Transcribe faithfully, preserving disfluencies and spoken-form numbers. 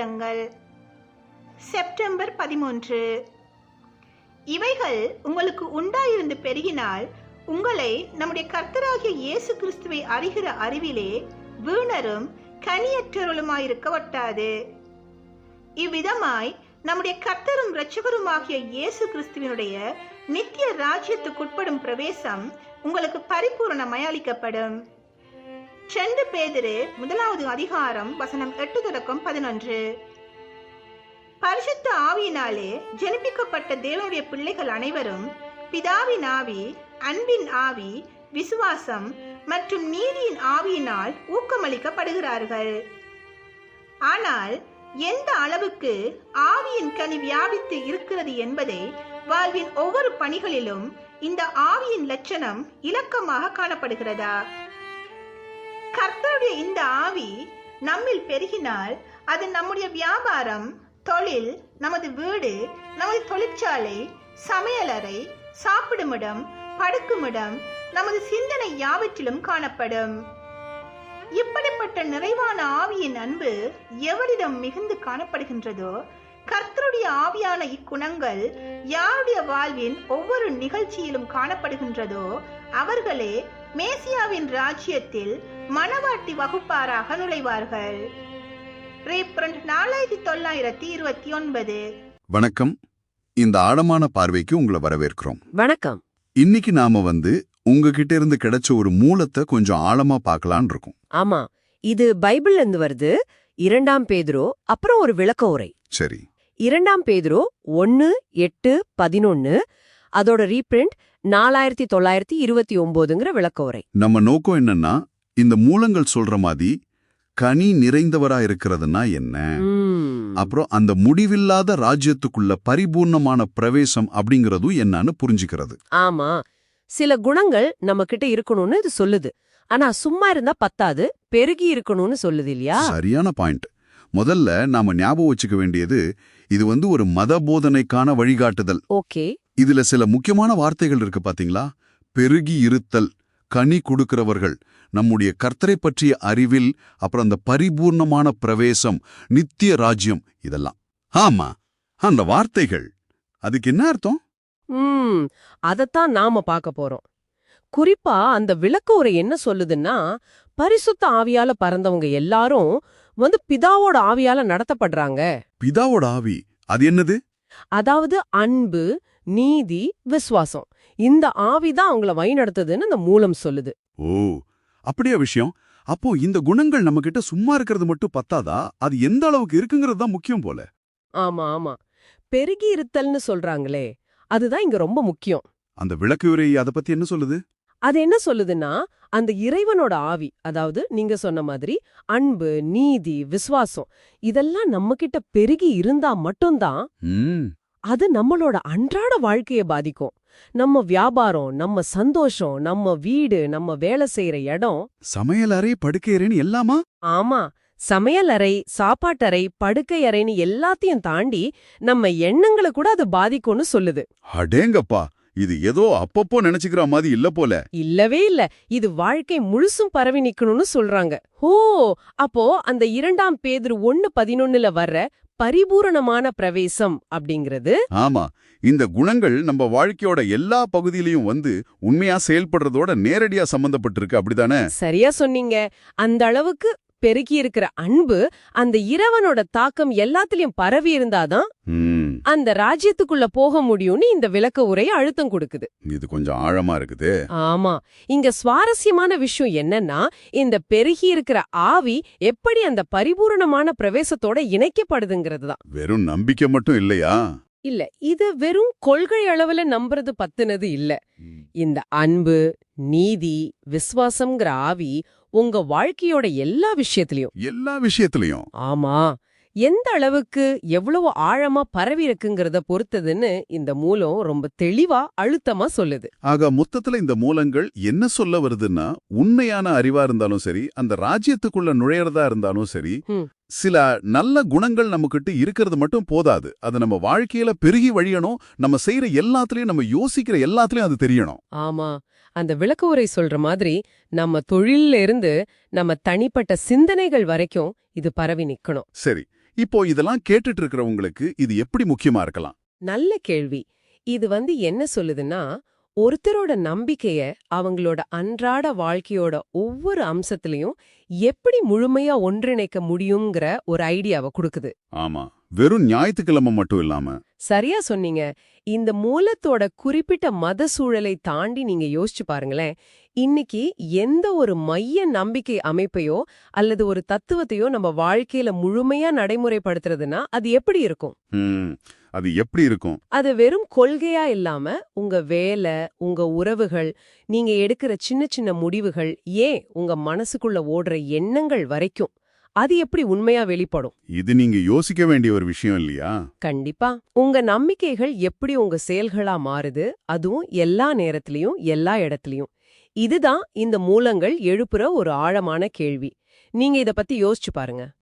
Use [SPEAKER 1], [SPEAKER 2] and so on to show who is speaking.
[SPEAKER 1] பாத்திரங்கள். செப்டம்பர் பதிமூன்று. இவைகள் உங்களுக்கு உண்டாயிருந்து பெருகினால் உங்களை நம்முடைய கர்த்தராகிய இயேசு கிறிஸ்துவை அறிகிற அறிவிலே வீணரும் கனியற்றவர்களுமாயிருக்க ஒட்டாது. இவ்விதமாய் நம்முடைய கர்த்தரும் இரட்சகருமாகிய இயேசு கிறிஸ்துவினுடைய நித்திய ராஜ்யத்துக்குட்படும் பிரவேசம் உங்களுக்கு பரிபூரணமாய் அளிக்கப்படும். செண்டு பேதுரு முதலாவது அதிகாரம் வசனம் எட்டு தொடக்கம் பதினொன்று. பரிசுத்த ஆவியினாலே ஜனிப்பிக்கப்பட்ட தேவனுடைய பிள்ளைகள் அனைவரும் பிதாவின் ஆவி, அன்பின் ஆவி, விசுவாசம் மற்றும் நீதியின் ஆவியினால் ஊக்கமளிக்கப்படுகிறார்கள். ஆனால் எந்த அளவுக்கு ஆவியின் கனி வியாபித்து இருக்கிறது என்பதை வாழ்வின் ஒவ்வொரு பணிகளிலும் இந்த ஆவியின் லட்சணம் இலக்கமாக காணப்படுகிறதா? கர்த்தருடைய இந்த ஆவி நம்மில் பெருகினால் அது நம்முடைய வியாபாரம், தொழில், நமது வீடு, நமது தொழிற்சாலை, சமையலறை, சாப்பிடுமிடம், படுக்குமிடம், நமது சிந்தனை யாவற்றிலும் காணப்படும். இப்படிப்பட்ட நிறைவான ஆவியின் அன்பு எவரிடம் மிகுந்து காணப்படுகின்றதோ, கர்த்தருடைய ஆவியான இக்குணங்கள் யாருடைய வாழ்வின் ஒவ்வொரு நிகழ்ச்சியிலும் காணப்படுகின்றதோ அவர்களே மேசியாவின் ராஜ்யத்தில் மணவாட்டி வகுப்பாராக நுழைவார்கள். நாலாயிரத்தி தொள்ளாயிரத்தி இருபத்தி ஒன்பது.
[SPEAKER 2] வணக்கம். இந்த ஆழமான பார்வைக்கு உங்களை வரவேற்கிறோம்.
[SPEAKER 3] வணக்கம்.
[SPEAKER 2] இன்னைக்கு நாம வந்து உங்ககிட்ட இருந்து கிடைச்ச ஒரு மூலத்தை கொஞ்சம் ஆழமா பார்க்கலான் இருக்கோம்.
[SPEAKER 3] ஆமா, இது பைபிள்ல இருந்து வருது. இரண்டாம் பேதுரு, அப்புறம் ஒரு விளக்க உரை.
[SPEAKER 2] சரி.
[SPEAKER 3] இரண்டாம் பேதுரு ஒன்னு எட்டு பதினொன்னு, அதோட ரீபிரிண்ட் நாலாயிரத்தி தொள்ளாயிரத்தி இருபத்தி ஒன்பதுங்கிற விளக்க உரை.
[SPEAKER 2] நம்ம நோக்கம் என்னன்னா, இந்த மூலங்கள் சொல்ற மாதிரி கனி நிறைந்தவரா இருக்கிறதுனா என்ன, அப்புறம் அந்த முடிவில்லாத ராஜ்யத்துக்குள்ள பரிபூர்ணமான பிரவேசம் அப்படிங்கறதும் என்னன்னு புரிஞ்சுக்கிறது.
[SPEAKER 3] ஆமா, சில குணங்கள் நம்ம கிட்ட இருக்கணும்னு இது சொல்லுது. ஆனா சும்மா இருந்தா பத்தாது, பெருகி இருக்கணும்னு சொல்லுது இல்லையா?
[SPEAKER 2] சரியான பாயிண்ட். முதல்ல நாம ஞாபகம் வச்சுக்க வேண்டியது, இது வந்து ஒரு மத போதனைக்கான வழிகாட்டுதல்.
[SPEAKER 3] ஓகே.
[SPEAKER 2] இதுல சில முக்கியமான வார்த்தைகள் இருக்கு பாத்தீங்களா? பெருகி இருத்தல், கனி கொடுக்கிறவர்கள், நம்முடைய கர்த்தரை பற்றிய அறிவில், அப்புறம் அந்த பரிபூர்ணமான பிரவேசம், நித்திய ராஜ்யம், இதெல்லாம். ஆமா, அந்த வார்த்தைகள் அதுக்கு என்ன அர்த்தம்?
[SPEAKER 3] ம் அதத்தான் நாம பார்க்க போறோம். குறிப்பா அந்த விளக்க உரை என்ன சொல்லுதுன்னா, பரிசுத்த ஆவியால பறந்தவங்க எல்லாரும் வந்து பிதாவோட ஆவியால நடத்தப்படுறாங்க.
[SPEAKER 2] பிதாவோட ஆவி அது என்னது?
[SPEAKER 3] அதாவது அன்பு, நீதி, விசுவாசம், இந்த ஆவிதான் அவங்கள வழி நடத்துதுன்னு அந்த மூலம் சொல்லுது.
[SPEAKER 2] ஓ, அப்படியா விஷயம்? அப்போ இந்த குணங்கள் நம்ம கிட்ட சும்மா இருக்கிறது மட்டும் பத்தாதா? அது எந்த அளவுக்கு இருக்குங்கிறது தான் முக்கியம் போல.
[SPEAKER 3] ஆமா ஆமா, பெருகி இருத்தல்னு சொல்றாங்களே, அதுதான் இங்க ரொம்ப முக்கியம்.
[SPEAKER 2] அந்த விளக்கு உரை அதை பத்தி என்ன சொல்லுது?
[SPEAKER 3] அது என்ன சொல்லுதுன்னா, அந்த இறைவனோட ஆவி, அதாவது நீங்க சொன்ன மாதிரி அன்பு, நீதி, விசுவாசம், இதெல்லாம் நம்ம கிட்ட பெருகி இருந்தா மட்டும்தான் அது நம்மளோட அன்றாட வாழ்க்கைய பாதிக்கும். நம்ம வியாபாரம், நம்ம சந்தோஷம், நம்ம வீடு, நம்ம வேலை செய்யற இடம்,
[SPEAKER 2] சமையல் அறை, படுக்கையறைன்னு எல்லாமா?
[SPEAKER 3] ஆமா, சமையல் அறை, சாப்பாட்டறை, படுக்கை அறைன்னு எல்லாத்தையும் தாண்டி நம்ம எண்ணங்களை கூட அது பாதிக்கும்னு சொல்லுது.
[SPEAKER 2] அடேங்கப்பா, இது ஏதோ அப்பப்போ நினைச்சுக்கிற மாதிரி இல்ல போல.
[SPEAKER 3] இல்லவே இல்ல, இது வாழ்க்கை முழுசும் பரவி நிக்கணும்னு சொல்றாங்க. ஓ, அப்போ அந்த இரண்டாம் பேதுரு ஒன்னு பதினொன்னுல வர்ற பரிபூரணமான பிரவேசம் அப்படிங்கிறது,
[SPEAKER 2] ஆமா, இந்த குணங்கள் நம்ம வாழ்க்கையோட எல்லா பகுதியிலையும் வந்து உண்மையா செயல்படுறதோட நேரடியா சம்பந்தப்பட்டிருக்கு, அப்படிதானே?
[SPEAKER 3] சரியா சொன்னீங்க. அந்த அளவுக்கு பெருகி இருக்கிற அன்பு, அந்த இறைவனோட தாக்கம் எல்லாத்திலயும் பரவி இருந்தாதான் அந்த ராஜ்யத்துக்குள்ள போக முடியும்னு இந்த விளக்க உரை அழுத்தம் கொடுக்குது.
[SPEAKER 2] இது கொஞ்சம் ஆழமா இருக்குது.
[SPEAKER 3] ஆமா, இங்க சுவாரஸ்யமான விஷயம் என்னன்னா, இந்த பெருகி இருக்கிற ஆவி எப்படி அந்த பரிபூரணமான பிரவேசத்தோட இணைக்கப்படுதுங்கிறது தான்.
[SPEAKER 2] வெறும் நம்பிக்கை மட்டும் இல்லையா?
[SPEAKER 3] இல்ல, இது வெறும் கொள்கை அளவுல நம்புறது பத்துனது இல்ல. இந்த அன்பு, நீதி, விசுவாசம்ங்கிற ஆவி உங்க வாழ்க்கையோட எல்லா விஷயத்திலயும்
[SPEAKER 2] எல்லா விஷயத்திலயும்
[SPEAKER 3] ஆமா, எந்த அளவுக்கு எவ்வளவு ஆழமா பரவி இருக்குங்கிறத பொறுத்ததுன்னு இந்த மூலம் ரொம்ப தெளிவா அழுத்தமா சொல்லுது.
[SPEAKER 2] ஆக மொத்தத்துல இந்த மூலங்கள் என்ன சொல்ல வருதுன்னா, உண்மையான அறிவா இருந்தாலும் சரி, அந்த ராஜ்யத்துக்குள்ள நுழையறதா இருந்தாலும் சரி, சில நல்ல குணங்கள் நம்மகிட்ட இருக்கிறது மட்டும் போதாது. அது நம்ம வாழ்க்கையில பெருகி வழியணும். நம்ம செய்யற எல்லாத்துலயும், நம்ம யோசிக்கிற எல்லாத்துலயும் அது தெரியணும்.
[SPEAKER 3] ஆமா, அந்த விளக்க உரை சொல்ற மாதிரி நம்ம தொழில்ல இருந்து நம்ம தனிப்பட்ட சிந்தனைகள் வரைக்கும் இது பரவி நிக்கணும்.
[SPEAKER 2] சரி, இப்போ இதெல்லாம் கேட்டுட்டு இருக்கிறவங்களுக்கு இது எப்படி முக்கியமா இருக்கலாம்?
[SPEAKER 3] நல்ல கேள்வி. இது வந்து என்ன சொல்லுதுன்னா, ஒருத்தரோட நம்பிக்கைய அவங்களோட அன்றாட வாழ்க்கையோட ஒவ்வொரு அம்சத்திலையும் எப்படி முழுமையா ஒன்றிணைக்க முடியுங்கிற ஒரு ஐடியாவை கொடுக்குது.
[SPEAKER 2] ஆமா, வெறும் ஞாயிற்றுக்கிழமை மட்டும் இல்லாம.
[SPEAKER 3] சரியா சொன்னீங்க. இந்த மூலத்தோட குறிப்பிட்ட மத சூழலை தாண்டி நீங்க யோசிச்சு பாருங்களேன். இன்னைக்கு எந்த ஒரு மைய நம்பிக்கை அமைப்பையோ அல்லது ஒரு தத்துவத்தையோ நம்ம வாழ்க்கையில முழுமையா நடைமுறைப்படுத்துறதுன்னா அது எப்படி இருக்கும்?
[SPEAKER 2] ம், அது எப்படி இருக்கும்?
[SPEAKER 3] அது வெறும் கொள்கையா இல்லாம உங்க வேலை, உங்க உறவுகள், நீங்க எடுக்கிற சின்ன சின்ன முடிவுகள், ஏன் உங்க மனசுக்குள்ள ஓடுற எண்ணங்கள் வரைக்கும் அது எப்படி உண்மையா வெளிப்படும்?
[SPEAKER 2] இது நீங்க யோசிக்க வேண்டிய ஒரு விஷயம் இல்லையா?
[SPEAKER 3] கண்டிப்பா. உங்க நம்பிக்கைகள் எப்படி உங்க செயல்களா மாறுது, அதுவும் எல்லா நேரத்திலயும் எல்லா இடத்துலயும். இதுதான் இந்த மூலங்கள் எழுப்புற ஒரு ஆழமான கேள்வி. நீங்க இத பத்தி யோசிச்சு பாருங்க.